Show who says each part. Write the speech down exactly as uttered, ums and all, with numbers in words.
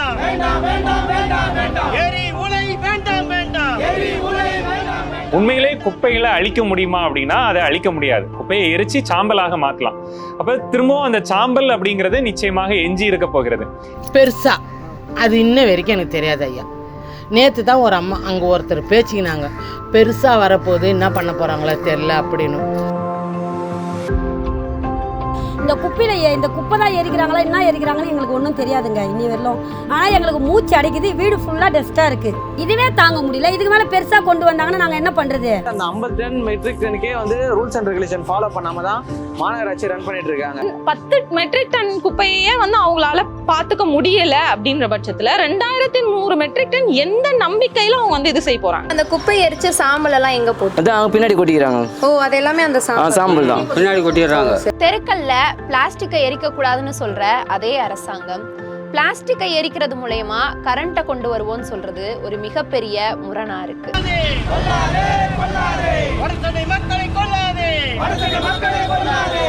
Speaker 1: வேண்டாம் வேண்டாம் வேண்டாம் வேண்டாம் வேண்டாம் எரி உலை வேண்டாம் வேண்டாம் எரி உலை வேண்டாம்.
Speaker 2: உண்மையிலே குப்பைகளை அழிக்க முடியுமா அப்படின்னா அதை அழிக்க முடியாது. குப்பையை எரிச்சு சாம்பலாக மாற்றலாம். அப்போ திரும்பவும் அந்த சாம்பல் அப்படிங்கிறது நிச்சயமாக எஞ்சி இருக்க போகிறது.
Speaker 3: பெருசா அது இன்ன வரைக்கும் எனக்கு தெரியாது ஐயா. நேற்று தான் ஒரு அம்மா அங்கே ஒருத்தர் பேச்சிக்கினாங்க, பெருசாக வரப்போகுது என்ன பண்ண போகிறாங்களோ தெரில அப்படின்னு.
Speaker 4: இந்த குப்பையில இந்த குப்பை தான் எரிக்கிறாங்களா என்ன எரிக்கிறாங்கன்னு எங்களுக்கு ஒன்றும் தெரியாதுங்க இன்னி வரலும். ஆனால் எங்களுக்கு மூச்சு அடைக்குது, வீடு ஃபுல்லாக டஸ்ட்டாக இருக்குது. இதுவே தாங்க முடியல. இதுக்கு மேலே பெருசாக கொண்டு வந்தாங்கன்னா நாங்கள் என்ன பண்ணுறது?
Speaker 5: அந்த ஐம்பது டன் மெட்ரிக் டனுக்கே வந்து ரூல்ஸ் அண்ட் ரெகுலேஷன் ஃபாலோ பண்ணாம தான் மாநகராட்சி ரன் பண்ணிட்டு இருக்காங்க.
Speaker 6: பத்து மெட்ரிக் டன் குப்பையே வந்து அவங்களால பார்த்துக்க முடியல அப்படின்ற பட்சத்தில் ரெண்டாயிரத்தி நூறு மெட்ரிக் டன் எந்த நம்பிக்கையில அவங்க வந்து இது செய்ய போறாங்க?
Speaker 7: அந்த குப்பை எரிச்ச சாம்பல் எல்லாம் எங்க போட்டு
Speaker 5: அதான் அவங்க பின்னாடி கொட்டிக்கிறாங்க.
Speaker 7: ஓ அது எல்லாமே அந்த
Speaker 5: சாம்பல் தான் பின்னாடி கொட்டிடுறாங்க.
Speaker 7: தெருக்கல்ல பிளாஸ்டிக்கை எரிக்க கூடாதுன்னு சொல்ற அதே அரசாங்கம் பிளாஸ்டிக்கை எரிக்கிறது மூலமா கரண்ட்டை கொண்டு வருவோம்னு சொல்றது ஒரு மிகப்பெரிய முரணா இருக்கு.
Speaker 1: மக்களை கொள்ளாதே.